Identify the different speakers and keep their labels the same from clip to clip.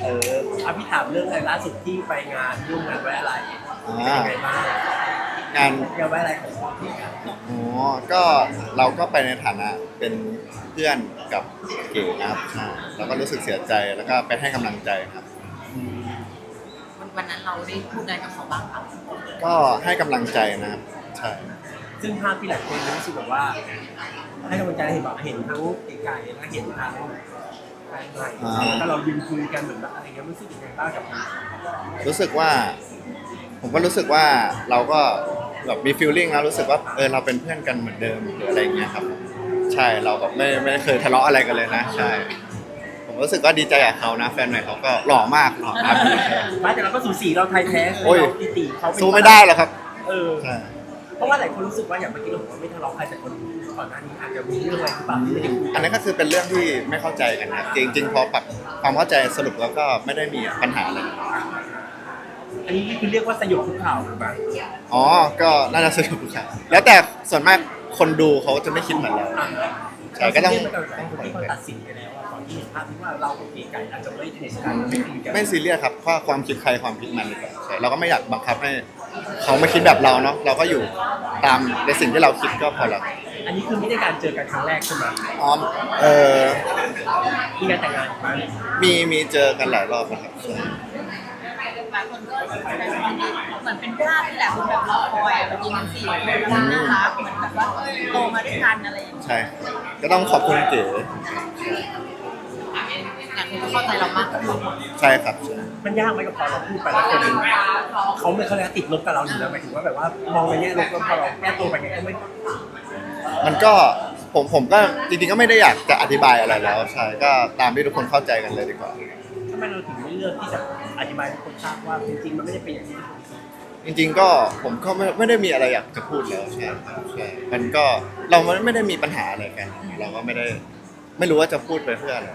Speaker 1: พี่ถามเรื่องอะไรล่าสุดที่ไปงานร่วมงานไว้อะไรเป็นยังไงบ้าง
Speaker 2: งาน
Speaker 1: งานไว้อะไรของพี่กัน
Speaker 2: อ๋อก็เราก็ไปในฐานะเป็นเพื่อนกับเก๋นะครับใช่เราก็รู้สึกเสียใจแล้วก็ไปให้กำลังใจครับ
Speaker 3: วันนั้นเราได้พูดอะไรกับเขาบ้างคะ
Speaker 2: ก็ให้กำลังใจนะครับใช่
Speaker 1: ซึ่งภาพที่หลายคนรู้สึกแบบว่าให้กำลังใจเห็นแบบเห็นทั้งไกลๆและเห็นทั้งใกล้ๆแล้วเรายืนคุยกันเหมือนแบบอะไรเงี้ยรู้สึกยังไงบ้างกับมัน
Speaker 2: รู้สึกว่าผมก็รู้สึกว่าเราก็แบบมีฟีลลิ่งแล้วรู้สึกว่าเราเป็นเพื่อนกันเหมือนเดิมหรืออะไรอย่างเงี้ยครับใช่เราแบบไม่เคยทะเลาะอะไรกันเลยนะใช่ผมรู้สึกว่าดีใจกับเขานะแฟนใหม่เขาก็หล่อมากหล่อครับ
Speaker 1: ไม่แต่เราก็สูสีเราไทยแท้
Speaker 2: โอ้ย
Speaker 1: เราตีเขา
Speaker 2: สู้ไม่ได้หรอกครับใช่
Speaker 1: เพราะว่าหลายคนรู้สึกว่าอย่างเมื่อกี้เราบอกว่าไม่ทะเลาะใครแต่คนก่อนหน้านี้อาจจะมีเรื่องอะไรหรือเปล่าที่ไม่ได้คุย
Speaker 2: อันนี้ก็คือเป็นเรื่องที่ไม่เข้าใจกันนะจริงๆพอปรับความเข้าใจสรุปแล้วก็ไม่ได้มีปัญหาอะไร
Speaker 1: อันนี้คือเรียกว่าสยบทุกข่าวหรือเปล่า
Speaker 2: อ๋อก็น่าจะสนุกครับแล้วแต่ส่วนมากคนดูเขาจะไม่คิดเหมือนเราใช่ก็ต้อง
Speaker 1: ที่เขาตัดสินไปแล้วก่อนที่เห็นภาพที่ว่าเรากับไก่อาจจะไม่ถูกกันไม่คุยกัน
Speaker 2: ไม่ซีเรียสครับเพราะความคิดใครความคิดมันดีกว่าใช่เราก็ไม่อยากบังคับให้เขามาคิดแบบเราเนาะเราก็อยู่ตามในสิ่งที่เราคิดก็พอแล้ว
Speaker 1: อันนี้คือไม่ได้การเจอกันครั้งแรกใช่ไหม
Speaker 2: อ๋อ
Speaker 1: มีการแต่งงานไหม
Speaker 2: มีเจอกันหลายรอบนะครับใช่
Speaker 3: หลายคนก็แสดงความดีเหมือนเป็นภาพที่แหละคุณแบบรอคอยแบบยิงกัน4 คนน่ารักเหมือนแบบว่าโตมาด้วยกันอะไรอย่างเงี้ย
Speaker 2: ใช่ก็ต้องขอบคุณเก๋
Speaker 3: หลายคนก็เข้าใจเรามากขึ้น
Speaker 2: ใช่ครับ
Speaker 1: มันยากไหมกับพอเราพูดไปแล้วคนเขาไม่เขาเลยติดลบกับเราอยู่แล้วหมายถึงว่าแบบว่ามองในแง่ลบแล้วพอเราแก้ตัวไปไงก็ไม่
Speaker 2: มันก็ผมก็จริงๆก็ไม่ได้อยากจะอธิบายอะไรแล้วใช่ก็ตามที่ทุกคนเข้าใจกันเลยดีกว่า
Speaker 1: ทำไมเราถึงไม่เลือกที่จะอธิบายให้คนทราบว่าจริงๆมันไม่ได้เป็นอย่างนี้
Speaker 2: จริงๆก็ผมก็ไม่ได้มีอะไรอยากจะพูดแล้วใช่มันก็เราไม่ได้มีปัญหาอะไรกันเราก็ไม่รู้ว่าจะพูดไปเพื่ออะไร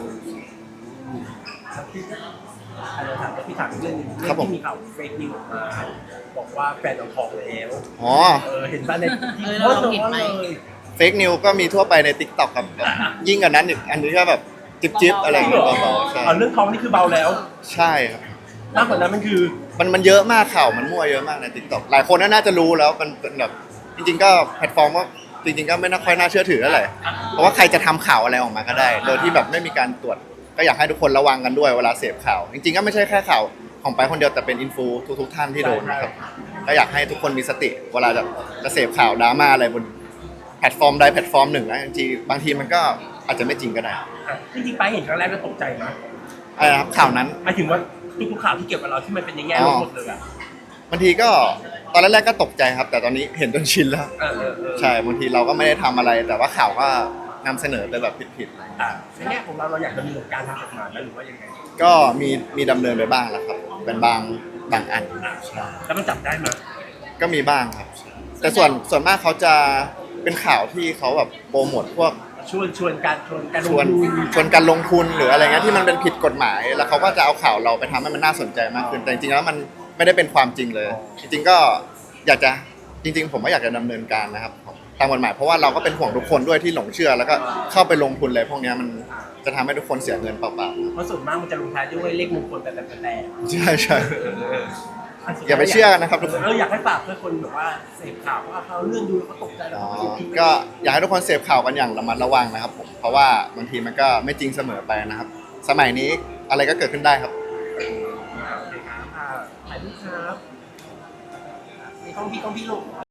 Speaker 1: พี่ถามเรื่องนึงที่มีข่าวเฟกนิวออกมาบอกว่าแฟนเราท้องแล้ว
Speaker 2: อ๋อ
Speaker 1: เห็นป่ะใน
Speaker 3: เราเห็นไหม
Speaker 2: เฟกนิวก็มีทั่วไปใน TikTok ครับยิ่งกว่านั้นอีกอันนี้ก็แบบจิ๊บอะไรอย่างเงี้ยเบาๆใช่
Speaker 1: เรื่องท้องนี่คือเบาแล้ว
Speaker 2: ใช่ครับ
Speaker 1: มากกว่านั้นมันคือ
Speaker 2: มันเยอะมากข่าวมันมั่วเยอะมากใน TikTok หลายคนน่าจะรู้แล้วมันเป็นแบบจริงๆก็แพลตฟอร์มว่าจริงๆก็ไม่ค่อยน่าเชื่อถือเท่าไหร่เพราะว่าใครจะทำข่าวอะไรออกมาก็ได้โดยที่แบบไม่มีการตรวจก็อยากให้ทุกคนระวังกันด้วยเวลาเสพข่าวจริงๆก็ไม่ใช่แค่ข่าวของไปคนเดียวแต่เป็นอินฟูทุกท่านที่โดนนะครับก็อยากให้ทุกคนมีสติเวลาจะเสพข่าวดราม่าอะไรบนแพลตฟอร์มใดแพลตฟอร์มหนึ่งนะจริงๆบางทีมันก็อาจจะไม่จริงก็ได้
Speaker 1: จริงๆไปเห็นครั้งแรกก็ตกใจนะ
Speaker 2: อะไรครับข่าวนั้น
Speaker 1: หมายถึงว่าทุกข่าวที่เกี่ยวกับเราที่มันเป็นในแง่ลบหมดเลยอะ
Speaker 2: บางทีก็ตอนแรกๆก็ตกใจครับแต่ตอนนี้เห็นจนชินแล้วใช่บางทีเราก็ไม่ได้ทำอะไรแต่ว่าข่าวก็นำเสนอไปแบบผิด
Speaker 1: ๆในแง่ของเราอยากจะมีการทำกฎหมายหรือว่ายังไง
Speaker 2: ก็มีดำเนินไปบ้างแล้วครับเป็นบางอันใช่
Speaker 1: แล้วมันจับได้ไหม
Speaker 2: ก็มีบ้างครับแต่ส่วนมากเขาจะเป็นข่าวที่เขาแบบโปรโมทพวก
Speaker 1: ชวนการ
Speaker 2: ลงทุนหรืออะไรเงี้ยที่มันเป็นผิดกฎหมายแล้วเขาก็จะเอาข่าวเราไปทำให้มันน่าสนใจมากขึ้นแต่จริงๆแล้วมันไม่ได้เป็นความจริงเลยจริงๆก็อยากจะจริงๆผมก็อยากจะดำเนินการนะครับตามกฎหมายเพราะว่าเราก็เป็นห่วงทุกคนด้วยที่หลงเชื่อแล้วก็เข้าไปลงทุนเลยพวกนี้มันจะทำให้ทุกคนเสียเงินเปล่า
Speaker 1: ๆเพราะส่วนมากมันจะลงท้ายด้วยเลขมงคลแต่
Speaker 2: ใช่อย่าไปเชื่อนะครับทุกคน
Speaker 1: อยากให้ฝากเพื่อคนแบบว่าเสพข่าวว่าเขาเรื่องดูแล้วเขาตกใจ
Speaker 2: ก็อยากให้ทุกคนเสพข่าวกันอย่างระมัดระวังนะครับผมเพราะว่าบางทีมันก็ไม่จริงเสมอไปนะครับสมัยนี้อะไรก็เกิดขึ้นได้ครับ
Speaker 1: ถ่ายรูปครับมีกล้องพี่ลูก